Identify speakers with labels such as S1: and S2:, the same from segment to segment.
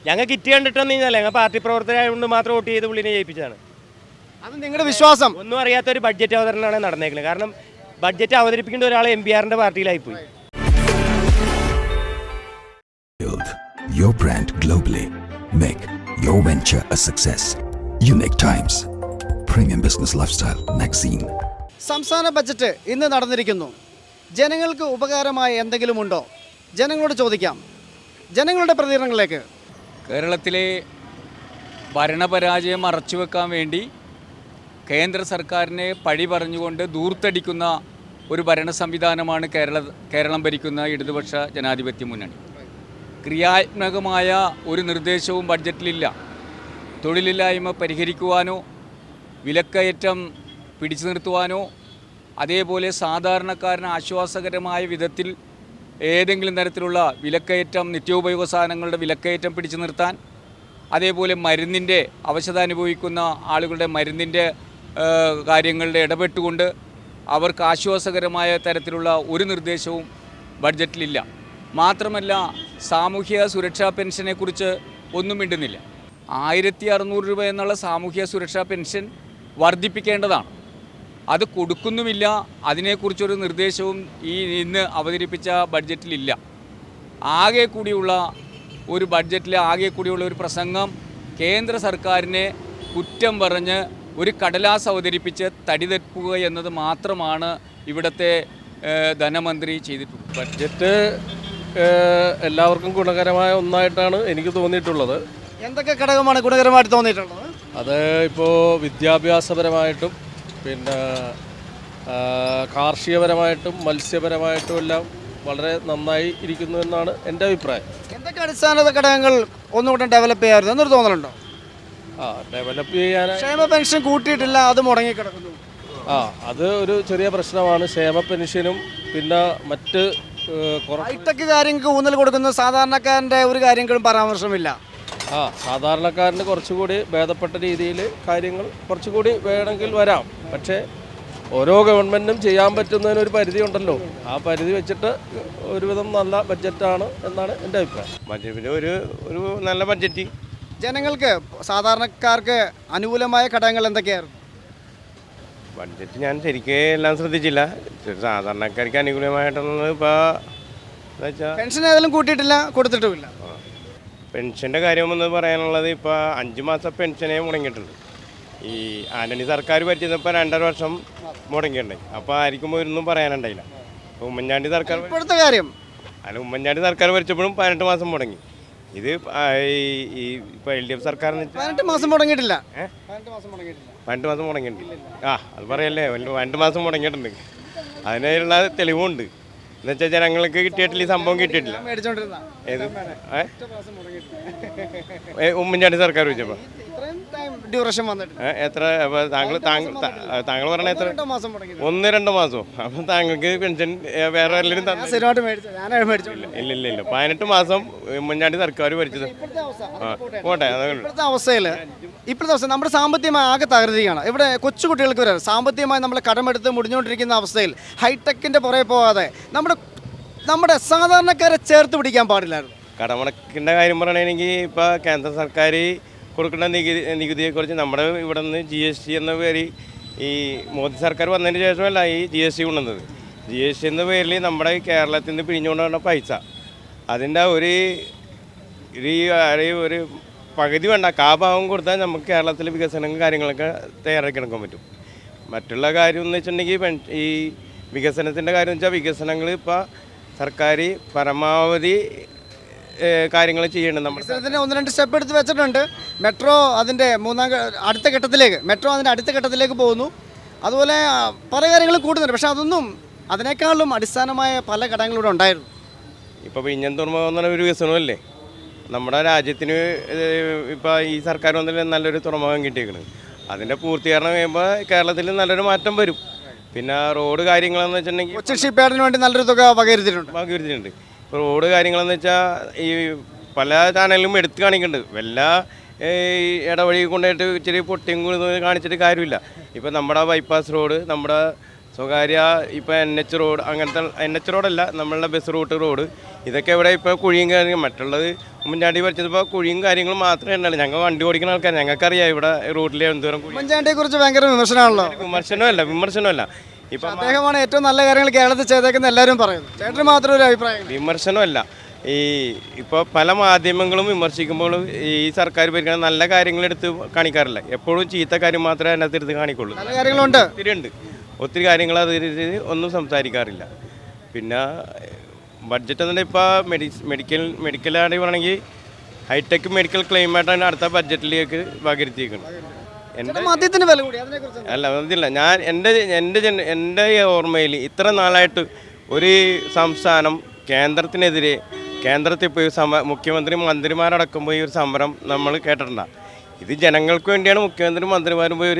S1: ഞങ്ങൾ കിറ്റ് കണ്ടിട്ടൊന്നും കഴിഞ്ഞാൽ ഞങ്ങൾ പാർട്ടി പ്രവർത്തകരായതുകൊണ്ട് മാത്രം വോട്ട് ചെയ്ത് പുള്ളിനെ ജയിപ്പിച്ചതാണ്.
S2: അത് നിങ്ങളുടെ വിശ്വാസം?
S1: ഒന്നും അറിയാത്തൊരു ബഡ്ജറ്റ് അവതരണമാണ് നടന്നേക്കുന്നത്. കാരണം ബഡ്ജറ്റ് അവതരിപ്പിക്കേണ്ട ഒരാൾ MBRന്റെ പാർട്ടിയിലായിപ്പോയി.
S3: Build your brand globally. Make your venture a success. Unique Times, Premium Business Lifestyle Magazine.
S2: സംസ്ഥാന ബജറ്റ് ഇന്ന് നടന്നിരിക്കുന്നു. ജനങ്ങൾക്ക് ഉപകാരമായ എന്തെങ്കിലും ഉണ്ടോ? ജനങ്ങളോട് ചോദിക്കാം. ജനങ്ങളുടെ പ്രതികരണങ്ങളിലേക്ക്.
S4: കേരളത്തിലെ ഭരണപരാജയം മറച്ചുവെക്കാൻ വേണ്ടി കേന്ദ്ര സർക്കാരിനെ പഴി പറഞ്ഞുകൊണ്ട് ദൂർത്തടിക്കുന്ന ഒരു ഭരണ സംവിധാനമാണ് കേരളം ഭരിക്കുന്ന ഇടതുപക്ഷ ജനാധിപത്യ മുന്നണി. ക്രിയാത്മകമായ ഒരു നിർദ്ദേശവും ബഡ്ജറ്റിലില്ല. തൊഴിലില്ലായ്മ പരിഹരിക്കുവാനോ വിലക്കയറ്റം പിടിച്ചു നിർത്തുവാനോ അതേപോലെ സാധാരണക്കാരന് ആശ്വാസകരമായ വിധത്തിൽ ഏതെങ്കിലും തരത്തിലുള്ള വിലക്കയറ്റം, നിത്യോപയോഗ സാധനങ്ങളുടെ വിലക്കയറ്റം പിടിച്ചു നിർത്താൻ, അതേപോലെ മരുന്നിൻ്റെ അവശത അനുഭവിക്കുന്ന ആളുകളുടെ മരുന്നിൻ്റെ കാര്യങ്ങളുടെ ഇടപെട്ടുകൊണ്ട് അവർക്ക് ആശ്വാസകരമായ തരത്തിലുള്ള ഒരു നിർദ്ദേശവും ബഡ്ജറ്റിലില്ല. മാത്രമല്ല സാമൂഹ്യ സുരക്ഷാ പെൻഷനെക്കുറിച്ച് ഒന്നും മിണ്ടുന്നില്ല. 1600 രൂപ എന്നുള്ള സാമൂഹ്യ സുരക്ഷാ പെൻഷൻ വർദ്ധിപ്പിക്കേണ്ടതാണ്. അത് കൊടുക്കുന്നുമില്ല. അതിനെക്കുറിച്ചൊരു നിർദ്ദേശവും ഇന്ന് അവതരിപ്പിച്ച ബഡ്ജറ്റിലില്ല. ആകെ കൂടിയുള്ള ഒരു ബഡ്ജറ്റിലെ ആകെ കൂടിയുള്ള ഒരു പ്രസംഗം കേന്ദ്ര സർക്കാരിനെ കുറ്റം പറഞ്ഞ് ഒരു കടലാസ് അവതരിപ്പിച്ച് തടിതെക്കുക എന്നത് മാത്രമാണ് ഇവിടുത്തെ ധനമന്ത്രി ചെയ്തിട്ടുള്ളത്.
S5: ബഡ്ജറ്റ് എല്ലാവർക്കും ഗുണകരമായ ഒന്നായിട്ടാണ് എനിക്ക് തോന്നിയിട്ടുള്ളത്.
S2: എന്തൊക്കെ ഘടകമാണ് ഗുണകരമായിട്ട് തോന്നിയിട്ടുള്ളത്?
S5: അത് ഇപ്പോൾ വിദ്യാഭ്യാസപരമായിട്ടും പിന്നെ കാർഷികപരമായിട്ടും മത്സ്യപരമായിട്ടും എല്ലാം വളരെ നന്നായി ഇരിക്കുന്നു എന്നാണ് എൻ്റെ അഭിപ്രായം.
S2: എന്തൊക്കെ അടിസ്ഥാന ഘടകങ്ങൾ ഒന്നുകൂടെ ഡെവലപ്പ് ചെയ്യാറുണ്ട് എന്നൊരു തോന്നലുണ്ടോ?
S5: ഡെവലപ്പ് ചെയ്യാൻ
S2: ക്ഷേമ പെൻഷൻ കൂട്ടിയിട്ടില്ല, അത് മുടങ്ങിക്കിടക്കുന്നു.
S5: അത് ഒരു ചെറിയ പ്രശ്നമാണ്. ക്ഷേമ പെൻഷനും പിന്നെ മറ്റ്
S2: ഹൈടെക് കാര്യങ്ങൾക്ക് ഊന്നൽ കൊടുക്കുന്ന സാധാരണക്കാരൻ്റെ ഒരു കാര്യങ്ങളും പരാമർശമില്ല.
S5: സാധാരണക്കാരന് കുറച്ചുകൂടി ഭേദപ്പെട്ട രീതിയിൽ കാര്യങ്ങൾ കുറച്ചുകൂടി വേണമെങ്കിൽ വരാം. പക്ഷേ ഓരോ ഗവൺമെൻറ്റും ചെയ്യാൻ പറ്റുന്നതിനൊരു പരിധി ഉണ്ടല്ലോ. ആ പരിധി വെച്ചിട്ട് ഒരുവിധം നല്ല ബഡ്ജറ്റാണ് എന്നാണ് എൻ്റെ അഭിപ്രായം.
S1: ബഡ്ജറ്റ് ഒരു നല്ല ബഡ്ജറ്റ്.
S2: ജനങ്ങൾക്ക് സാധാരണക്കാർക്ക് അനുകൂലമായ ഘടകങ്ങൾ എന്തൊക്കെയായിരുന്നു?
S1: ബഡ്ജറ്റ് ഞാൻ ശരിക്കും എല്ലാം ശ്രദ്ധിച്ചില്ല. സാധാരണക്കാർക്ക് അനുകൂലമായിട്ടൊന്നും ഇപ്പോൾ എന്താ വെച്ചാൽ
S2: പെൻഷൻ ഏതെങ്കിലും കൂട്ടിയിട്ടില്ല, കൊടുത്തിട്ടുമില്ല.
S1: പെൻഷൻ്റെ കാര്യമെന്ന് പറയാനുള്ളത് ഇപ്പോൾ 5 മാസം പെൻഷനേ മുടങ്ങിയിട്ടുണ്ട്. ഈ ആന്റണി സർക്കാർ ഭരിച്ചപ്പോൾ 2.5 വർഷം മുടങ്ങിയിട്ടുണ്ടായി. അപ്പോൾ ആർക്കും ഒന്നും പറയാനുണ്ടായില്ല. ഉമ്മൻചാണ്ടി സർക്കാർ
S2: ഇപ്പോഴത്തെ കാര്യം
S1: അല്ല, ഉമ്മൻചാണ്ടി സർക്കാർ ഭരിച്ചപ്പോഴും 18 മാസം മുടങ്ങി. ഇത് ഈ ഇപ്പോൾ LDF സർക്കാരിന്
S2: 18 മാസം മുടങ്ങിയിട്ടില്ല.
S1: 18 മാസം മുടങ്ങിയിട്ടുണ്ട്. അത് പറയല്ലേ, 2 മാസം മുടങ്ങിയിട്ടുണ്ട്. അതിനുള്ള തെളിവുണ്ട്. എന്നുവെച്ചാൽ ജനങ്ങൾക്ക് കിട്ടിയിട്ടില്ല, ഈ സംഭവം കിട്ടിയിട്ടില്ല. ഏത് ഉമ്മൻചാണ്ടി സർക്കാർ വെച്ചപ്പോൾ എത്ര താങ്കൾ പറഞ്ഞ എത്ര 1-2 മാസവും. അപ്പം താങ്കൾക്ക് പെൻഷൻ വേറെ എല്ലാവരും ഇല്ല 18 മാസം ഉമ്മൻചാണ്ടി സർക്കാർ ഭരിച്ചത്. പോട്ടെ.
S2: ഇപ്പോഴത്തെ അവസ്ഥ നമ്മുടെ സാമ്പത്തികമായി ആകെ തകരുകയാണ്. ഇവിടെ കൊച്ചുകുട്ടികൾക്ക് വരെ സാമ്പത്തികമായി നമ്മൾ കടമെടുത്ത് മുടിഞ്ഞുകൊണ്ടിരിക്കുന്ന അവസ്ഥയിൽ ഹൈടെക്കിൻ്റെ പുറകെ പോകാതെ നമ്മുടെ സാധാരണക്കാരെ ചേർത്ത് പിടിക്കാൻ പാടില്ലായിരുന്നു.
S1: കടമടക്കിൻ്റെ കാര്യം പറയണമെങ്കിൽ ഇപ്പോൾ കേന്ദ്ര സർക്കാർ കൊടുക്കുന്ന നികുതിയെക്കുറിച്ച് നമ്മുടെ ഇവിടെ നിന്ന് GST എന്ന പേര് ഈ മോദി സർക്കാർ വന്നതിന് ശേഷമല്ല ഈ GST കൊണ്ടുവന്നത്. GST എന്ന പേരിൽ നമ്മുടെ കേരളത്തിൽ നിന്ന് പിരിഞ്ഞുകൊണ്ടുവന്ന പൈസ അതിൻ്റെ ഒരു പകുതി വേണ്ട, കാഭാവം കൊടുത്താൽ നമുക്ക് കേരളത്തിൽ വികസനം കാര്യങ്ങളൊക്കെ തയ്യാറാക്കി എടുക്കാൻ പറ്റും. മറ്റുള്ള കാര്യം എന്ന് വെച്ചിട്ടുണ്ടെങ്കിൽ ഈ വികസനത്തിൻ്റെ കാര്യം വെച്ചാൽ വികസനങ്ങൾ ഇപ്പോൾ സർക്കാർ പരമാവധി കാര്യങ്ങൾ ചെയ്യേണ്ടത്. നമ്മൾ
S2: 1-2 സ്റ്റെപ്പ് എടുത്ത് വെച്ചിട്ടുണ്ട്. മെട്രോ അതിൻ്റെ അടുത്ത ഘട്ടത്തിലേക്ക് പോകുന്നു. അതുപോലെ പല കാര്യങ്ങളും കൂടുന്നുണ്ട്. പക്ഷേ അതിനേക്കാളും അടിസ്ഥാനമായ പല ഘടകങ്ങളിവിടെ ഉണ്ടായിരുന്നു.
S1: ഇപ്പോൾ വിഴിഞ്ഞം തുറമുഖം എന്ന് പറഞ്ഞ ഒരു വികസനമല്ലേ നമ്മുടെ രാജ്യത്തിന്. ഇപ്പോൾ ഈ സർക്കാർ വന്നതിൽ നല്ലൊരു തുറമുഖം കിട്ടിയേക്കുന്നത്. അതിൻ്റെ പൂർത്തീകരണം കഴിയുമ്പോൾ കേരളത്തിൽ നല്ലൊരു മാറ്റം വരും. പിന്നെ റോഡ് കാര്യങ്ങളെന്ന് വെച്ചിട്ടുണ്ടെങ്കിൽ
S2: കൊച്ചിൻ ഷിപ്പ്യാർഡിന് വേണ്ടി നല്ലൊരു തുക വകയിരുത്തിയിട്ടുണ്ട്.
S1: ഇപ്പോൾ റോഡ് കാര്യങ്ങളെന്ന് വെച്ചാൽ ഈ പല ചാനലിലും എടുത്ത് കാണിക്കുന്നുണ്ട്. വല്ല ഇടവഴി കൊണ്ടുപോയിട്ട് ഇച്ചിരി പൊട്ടിയും കാണിച്ചിട്ട് കാര്യമില്ല. ഇപ്പോൾ നമ്മുടെ ബൈപ്പാസ് റോഡ്, നമ്മുടെ സ്വകാര്യ ഇപ്പോൾ NH റോഡ് അങ്ങനത്തെ NH റോഡല്ല നമ്മളുടെ ബസ് റൂട്ട് റോഡ് ഇതൊക്കെ ഇവിടെ ഇപ്പോൾ കുഴിയും കാര്യങ്ങളും മറ്റുള്ളത് ഉമ്മൻചാണ്ടി പഠിച്ചപ്പോൾ കുഴിയും കാര്യങ്ങളും മാത്രമേ ഉണ്ടല്ലോ. ഞങ്ങൾ വണ്ടി ഓടിക്കുന്ന ആൾക്കാർ ഞങ്ങൾക്കറിയാം ഇവിടെ റൂട്ടിലെ എന്തോരം കുഴി.
S2: ഉമ്മൻചാണ്ടിയെ കുറിച്ച് ഭയങ്കര വിമർശനമാണല്ലോ.
S1: വിമർശനമല്ല ഇപ്പം
S2: അദ്ദേഹമാണ് ഏറ്റവും നല്ല കാര്യങ്ങൾ കേരളത്തിൽ ചെയ്തേക്കുന്ന എല്ലാവരും പറയുന്നു. ചേട്ടന് മാത്രം ഒരു അഭിപ്രായം.
S1: വിമർശനമല്ല ഇപ്പോൾ പല മാധ്യമങ്ങളും വിമർശിക്കുമ്പോൾ ഈ സർക്കാർ ഭരിക്കുന്ന നല്ല കാര്യങ്ങളെടുത്ത് കാണിക്കാറില്ല. എപ്പോഴും ചീത്ത കാര്യം മാത്രമേ അതിനകത്ത് എടുത്ത് കാണിക്കുള്ളൂ.
S2: നല്ല കാര്യങ്ങളുണ്ട്,
S1: ഒത്തിരി കാര്യങ്ങൾ അത് ഒന്നും സംസാരിക്കാറില്ല. പിന്നെ ബഡ്ജറ്റ് എന്നുണ്ടെങ്കിൽ ഇപ്പോൾ മെഡിക്കലാണെങ്കിൽ പറയണമെങ്കിൽ ഹൈടെക് മെഡിക്കൽ ക്ലെയിമായിട്ടാണ് അടുത്ത ബഡ്ജറ്റിലേക്ക് വകരുത്തിയിരിക്കുന്നത്.
S2: മദ്യത്തിന് വില കൂടി അതിനെക്കുറിച്ച്
S1: അല്ല അതില്ല, ഞാൻ എൻ്റെ ഓർമ്മയിൽ ഇത്ര നാളായിട്ട് ഒരു സംസ്ഥാനം കേന്ദ്രത്തിനെതിരെ കേന്ദ്രത്തിൽ പോയി മുഖ്യമന്ത്രി മന്ത്രിമാരടക്കം പോയി ഒരു സമരം നമ്മൾ കേട്ടിട്ടുണ്ട. ഇത് ജനങ്ങൾക്ക് വേണ്ടിയാണ് മുഖ്യമന്ത്രി മന്ത്രിമാരും പോയി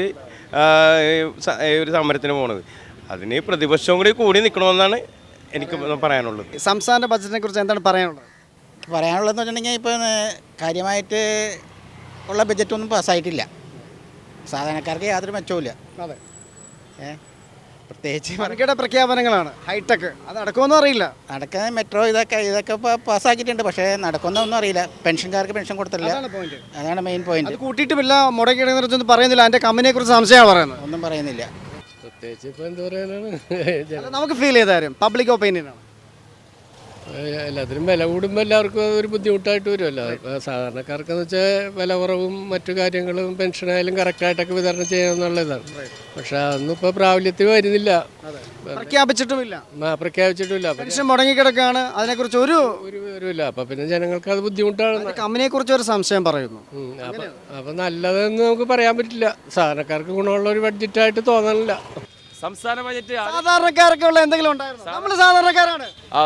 S1: ഒരു സമരത്തിന് പോണത്. അതിന് പ്രതിപക്ഷവും കൂടി നിൽക്കണമെന്നാണ് എനിക്ക് പറയാനുള്ളത്.
S2: സംസ്ഥാന ബഡ്ജറ്റിനെ കുറിച്ച് എന്താണ് പറയാനുള്ളത്?
S6: പറയാനുള്ളതെന്ന് വെച്ചിട്ടുണ്ടെങ്കിൽ ഇപ്പോൾ കാര്യമായിട്ട് ഉള്ള ബഡ്ജറ്റൊന്നും പാസ്സായിട്ടില്ല. സാധാരണക്കാർക്ക് യാതൊരു മെച്ചവുമില്ല.
S2: അതെ,
S6: പ്രത്യേകിച്ച്
S2: വൻകിട പ്രഖ്യാപനങ്ങളാണ്. ഹൈടെക് അത് നടക്കുമെന്നും അറിയില്ല.
S6: നടക്കുന്ന മെട്രോ ഇതൊക്കെ ഇപ്പോൾ പാസ്സാക്കിയിട്ടുണ്ട്, പക്ഷേ നടക്കുന്നൊന്നും അറിയില്ല. പെൻഷൻകാർക്ക് പെൻഷൻ കൊടുത്തില്ല, അതാണ് മെയിൻ പോയിന്റ്.
S2: കൂട്ടിയിട്ടുമില്ല, മുടക്കിയിടുന്നതിനെക്കുറിച്ചൊന്നും പറയുന്നില്ല. അതിൻ്റെ കമ്പനിയെ കുറിച്ച് സംശയമാണ് പറയുന്നത്.
S6: ഒന്നും പറയുന്നില്ല.
S5: പ്രത്യേകിച്ച് ഇപ്പോൾ എന്താ പറയാനാണ്,
S2: നമുക്ക് ഫീൽ ചെയ്ത കാര്യം പബ്ലിക് ഒപ്പീനിയനാണ്.
S5: എല്ലാത്തിനും വില കൂടുമ്പോൾ എല്ലാവർക്കും ഒരു ബുദ്ധിമുട്ടായിട്ട് വരുമല്ലോ. ഇപ്പോൾ സാധാരണക്കാർക്കെന്ന് വെച്ചാൽ വില കുറവും മറ്റു കാര്യങ്ങളും പെൻഷനായാലും കറക്റ്റായിട്ടൊക്കെ വിതരണം ചെയ്യണമെന്നുള്ളതാണ്. പക്ഷെ അതൊന്നും ഇപ്പോൾ പ്രാബല്യത്തിൽ വരുന്നില്ല,
S2: പ്രഖ്യാപിച്ചിട്ടുമില്ല.
S5: പെൻഷൻ
S2: മുടങ്ങിക്കിടക്കാണ്. അതിനെക്കുറിച്ച് ഒരു
S5: വിവരമില്ല. അപ്പം പിന്നെ ജനങ്ങൾക്ക് അത് ബുദ്ധിമുട്ടാണ്.
S2: കമ്പനിയെ കുറിച്ച് ഒരു സംശയം പറയുന്നു.
S5: അപ്പം നല്ലതെന്ന് നമുക്ക് പറയാൻ പറ്റില്ല. സാധാരണക്കാർക്ക് ഗുണമുള്ള ഒരു ബഡ്ജറ്റായിട്ട് തോന്നണില്ല.
S7: സംസ്ഥാന ബജറ്റ്
S2: സാധാരണക്കാർക്ക് ഉള്ള എന്തെങ്കിലും ഉണ്ടായിരുന്നു? നമ്മൾ സാധാരണക്കാരാണ്.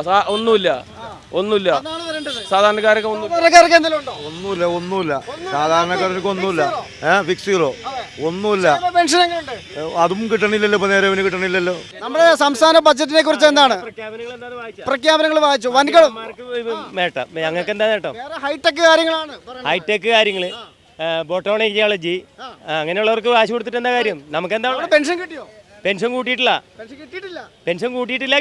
S7: ഒന്നുമില്ല സാധാരണക്കാർക്ക്
S2: സാധാരണക്കാർക്ക് എന്തെങ്കിലും ഉണ്ടോ?
S8: ഒന്നുമില്ല സാധാരണക്കാർക്ക് ഒന്നുമില്ല. ഫിക്സ് സീറോ ഒന്നുമില്ല.
S2: പെൻഷൻ എങ്ങനെയുണ്ട്?
S8: അതും കിട്ടണില്ലല്ലോ, ഇപ്പൊ നേരെ കിട്ടണില്ലല്ലോ.
S2: നമ്മുടെ സംസ്ഥാന ബഡ്ജറ്റിനെ കുറിച്ച് എന്താണ് പ്രഖ്യാപനങ്ങൾ വായിച്ചു? വൻകിട
S9: ഞങ്ങൾക്ക് എന്താ നേട്ടം?
S2: ഹൈടെക് കാര്യങ്ങളാണ്.
S9: ഹൈടെക് കാര്യങ്ങള്, ബോട്ടോണിയോളജി, അങ്ങനെയുള്ളവർക്ക് കാശ് കൊടുത്തിട്ട് എന്താ കാര്യം? നമുക്ക് എന്താ?
S2: പെൻഷൻ കിട്ടിയോ?
S9: പെൻഷൻ കൂട്ടിയിട്ടില്ല, കിട്ടിയിട്ടില്ല.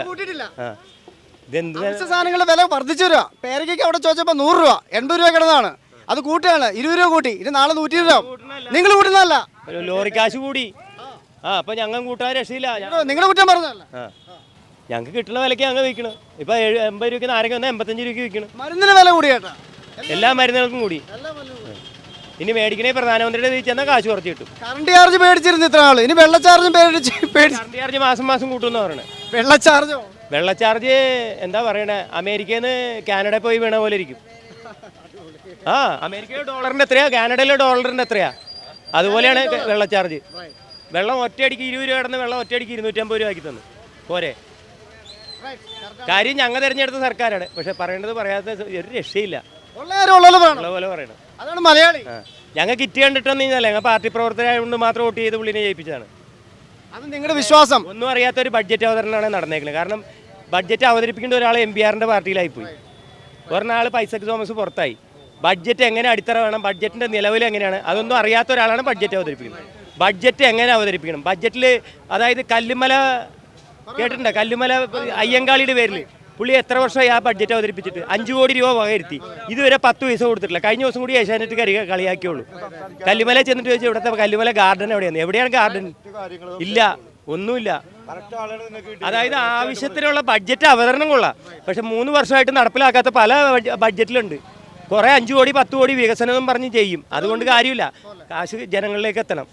S2: സാധനങ്ങളുടെ വില വർദ്ധിച്ചു വരിക. പേരയ്ക്ക് അവിടെ ചോദിച്ചപ്പോൾ 100 രൂപ 80 രൂപ കിടന്നതാണ്. അത് കൂട്ടുകയാണ്, 20 രൂപ കൂട്ടി. ഇനി നാളെ 120 രൂപ. നിങ്ങൾ കൂട്ടുന്നതല്ല,
S9: ലോറി കാശ് കൂടി. അപ്പൊ ഞങ്ങൾ കൂട്ടാൻ രക്ഷയില്ല.
S2: നിങ്ങൾ കുറ്റം പറഞ്ഞതല്ല.
S9: ഞങ്ങൾക്ക് കിട്ടുന്ന വിലക്ക് ഞങ്ങൾ വിൽക്കണം. ഇപ്പൊ 80 രൂപയ്ക്ക് നാരങ്ങ വന്നാൽ 85 രൂപയ്ക്ക് വിൽക്കണം.
S2: മരുന്നിന് വില കൂടി കേട്ടാ,
S9: എല്ലാ മരുന്നുകൾക്കും കൂടി. ഇനി മേടിക്കണേ പ്രധാനമന്ത്രിയുടെ ചെന്നാൽ കാശ് കുറച്ച് കിട്ടും.
S2: കറണ്ട് ചാർജ് പേടിച്ചിരുന്നു ഇത്ര ആള്, ഇനി വെള്ള ചാർജും
S9: കറണ്ട് ചാർജ് മാസം കൂട്ടുമെന്ന് പറയണേ.
S2: വെള്ള ചാർജ്
S9: എന്താ പറയണേ, അമേരിക്കയിൽ നിന്ന് കാനഡയിൽ പോയി വീണ പോലെ ഇരിക്കും. അമേരിക്കയിലെ ഡോളറിന്റെ എത്രയാ, കാനഡയിലെ ഡോളറിന്റെ എത്രയാ, അതുപോലെയാണ് വെള്ള ചാർജ്. വെള്ളം ഒറ്റയടിക്ക് 20 രൂപ കിടന്ന് വെള്ളം ഒറ്റയടിക്ക് 250 രൂപ ആക്കി തന്നു പോരെ. കാര്യം ഞങ്ങൾ തിരഞ്ഞെടുത്ത സർക്കാരാണ്, പക്ഷെ പറയേണ്ടത് പറയാത്ത ഒരു രക്ഷയില്ല. പോലെ പറയണം.
S2: അതാണ് മലയാളി.
S9: ഞങ്ങൾ കിറ്റ് കണ്ടിട്ടൊന്നും ഞങ്ങൾ പാർട്ടി പ്രവർത്തകരായതുകൊണ്ട് മാത്രം വോട്ട് ചെയ്ത് പുള്ളിനെ ജയിപ്പിച്ചതാണ്.
S2: അത് നിങ്ങളുടെ വിശ്വാസം?
S9: ഒന്നും അറിയാത്ത ഒരു ബഡ്ജറ്റ് അവതരണമാണ് നടന്നേക്കുന്നത്. കാരണം ബഡ്ജറ്റ് അവതരിപ്പിക്കേണ്ട ഒരാൾ MPRന്റെ പാർട്ടിയിലായിപ്പോയി, ഒരാൾ പൈസക്ക് തോമസ് പുറത്തായി. ബഡ്ജറ്റ് എങ്ങനെ അടിത്തറ വേണം, ബഡ്ജറ്റിന്റെ നിലവിൽ എങ്ങനെയാണ്, അതൊന്നും അറിയാത്ത ഒരാളാണ് ബഡ്ജറ്റ് അവതരിപ്പിക്കുന്നത്. ബഡ്ജറ്റ് എങ്ങനെ അവതരിപ്പിക്കണം, ബഡ്ജറ്റിൽ അതായത് കല്ലുമല കേട്ടിട്ടുണ്ടോ? കല്ലുമല അയ്യങ്കാളിയുടെ പേരിൽ പുള്ളി എത്ര വർഷമായി ആ ബഡ്ജറ്റ് അവതരിപ്പിച്ചിട്ട് 5 കോടി രൂപ വകയിരുത്തി. ഇതുവരെ 10 പൈസ കൊടുത്തിട്ടില്ല. കഴിഞ്ഞ ദിവസം കൂടി ഏഷ്യാനെറ്റ് കളിയാക്കിയുള്ളൂ. കല്ലുമല ചെന്നിട്ട് ചോദിച്ചാൽ ഇവിടുത്തെ കല്ലുമല ഗാർഡൻ എവിടെയാണ് ഗാർഡൻ? ഇല്ല, ഒന്നുമില്ല. അതായത് ആവശ്യത്തിനുള്ള ബഡ്ജറ്റ് അവതരണം കൊള്ളാം, പക്ഷെ 3 വർഷമായിട്ട് നടപ്പിലാക്കാത്ത പല ബഡ്ജറ്റിലുണ്ട്. കുറേ 5 കോടി 10 കോടി വികസനം എന്നും പറഞ്ഞ് ചെയ്യും. അതുകൊണ്ട് കാര്യമില്ല, കാശ് ജനങ്ങളിലേക്ക് എത്തണം.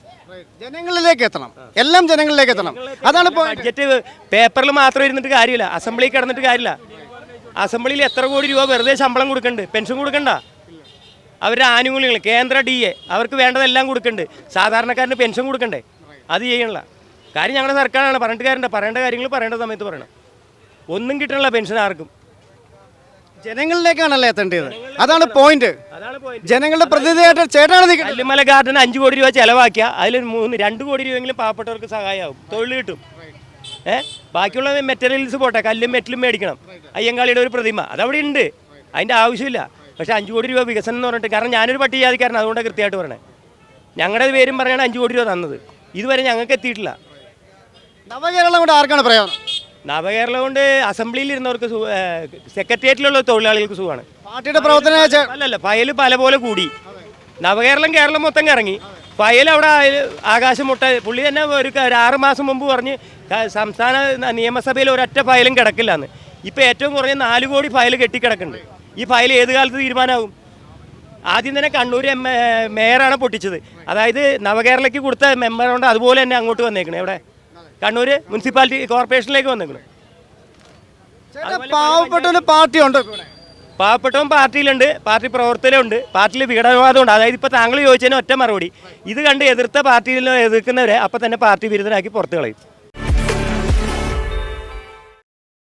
S2: എല്ലാം ജനങ്ങളിലേക്ക് എത്തണം. അതാണ്
S9: ബഡ്ജറ്റ് പേപ്പറിൽ മാത്രം ഇരുന്നിട്ട് കാര്യമില്ല, അസംബ്ലിയിൽ കിടന്നിട്ട് കാര്യമില്ല. അസംബ്ലിയിൽ എത്ര കോടി രൂപ വെറുതെ ശമ്പളം കൊടുക്കണ്ട്, പെൻഷൻ കൊടുക്കണ്ട. അവരുടെ ആനുകൂല്യങ്ങൾ കേന്ദ്ര DA അവർക്ക് വേണ്ടതെല്ലാം കൊടുക്കണ്ട്. സാധാരണക്കാരന് പെൻഷൻ കൊടുക്കണ്ടേ? അത് ചെയ്യണില്ല. കാര്യം ഞങ്ങളുടെ സർക്കാരാണ്, പറഞ്ഞിട്ട് കാര്യമുണ്ട്. പറയേണ്ട കാര്യങ്ങൾ പറയേണ്ട സമയത്ത് പറയണം. ഒന്നും കിട്ടണില്ല പെൻഷൻ ആർക്കും.
S2: ജനങ്ങളിലേക്കാണല്ലേ എത്തേണ്ടത്? അതാണ് പോയിന്റ്. ജനങ്ങളുടെ പ്രതിനിധിയായിട്ട് ചേട്ടാണ്.
S9: കല്ലുമല ഗാർഡൻ 5 കോടി രൂപ ചെലവാക്കിയ അതിൽ 2 കോടി രൂപയെങ്കിലും പാവപ്പെട്ടവർക്ക് സഹായമാവും, തൊഴിൽ കിട്ടും. ബാക്കിയുള്ള മെറ്റീരിയൽസ് പോട്ടെ, കല്ലും മെറ്റലും മേടിക്കണം. അയ്യങ്കാളിയുടെ ഒരു പ്രതിമ അതവിടെ ഉണ്ട്, അതിൻ്റെ ആവശ്യമില്ല. പക്ഷേ 5 കോടി രൂപ വികസനം എന്ന് പറഞ്ഞിട്ട്, കാരണം ഞാനൊരു പട്ടികജാതിക്കാരനാണ്, അതുകൊണ്ട് കൃത്യമായിട്ട് പറയണേ. ഞങ്ങളുടെ പേരും പറഞ്ഞാണ് 5 കോടി രൂപ തന്നത്. ഇതുവരെ ഞങ്ങൾക്ക് എത്തിയിട്ടില്ല.
S2: നവകേരളം കൊണ്ട് ആർക്കാണ് പ്രയോജനം?
S9: നവകേരളം കൊണ്ട് അസംബ്ലിയിൽ ഇരുന്നവർക്ക് സെക്രട്ടേറിയറ്റിലുള്ള തൊഴിലാളികൾക്ക് സുഖമാണ്.
S2: പാർട്ടിയുടെ പ്രവർത്തന
S9: അല്ലല്ല, ഫയൽ പല പോലെ കൂടി. നവകേരളം കേരളം മൊത്തം കറങ്ങി, ഫയൽ അവിടെ ആകാശം മുട്ട. പുള്ളി തന്നെ ഒരു 6 മാസം മുമ്പ് പറഞ്ഞ് സംസ്ഥാന നിയമസഭയിൽ ഒരൊറ്റ ഫയലും കിടക്കില്ല എന്ന്. ഇപ്പോൾ ഏറ്റവും കുറഞ്ഞ 4 കോടി ഫയൽ കെട്ടിക്കിടക്കുന്നുണ്ട്. ഈ ഫയൽ ഏത് കാലത്ത് തീരുമാനമാകും? ആദ്യം തന്നെ കണ്ണൂർ മേയറാണ് പൊട്ടിച്ചത്. അതായത് നവകേരളയ്ക്ക് കൊടുത്ത മെമ്പറുണ്ട്, അതുപോലെ തന്നെ അങ്ങോട്ട് വന്നേക്കണേ. എവിടെ? കണ്ണൂർ മുനിസിപ്പാലിറ്റി കോർപ്പറേഷനിലേക്ക് വന്നേക്കണം.
S2: പാവപ്പെട്ടവന് പാർട്ടി ഉണ്ടോ?
S9: പാവപ്പെട്ടവൻ പാർട്ടിയിലുണ്ട്, പാർട്ടി പ്രവർത്തനമുണ്ട്, പാർട്ടിയിൽ വിഘടനവാദമുണ്ട്. അതായത് ഇപ്പോൾ താങ്കൾ ചോദിച്ചതിന് ഒറ്റ മറുപടി, ഇത് കണ്ട് എതിർത്ത പാർട്ടിയിൽ എതിർക്കുന്നവരെ അപ്പം തന്നെ പാർട്ടി വിരുദ്ധനാക്കി പുറത്ത് കളയും.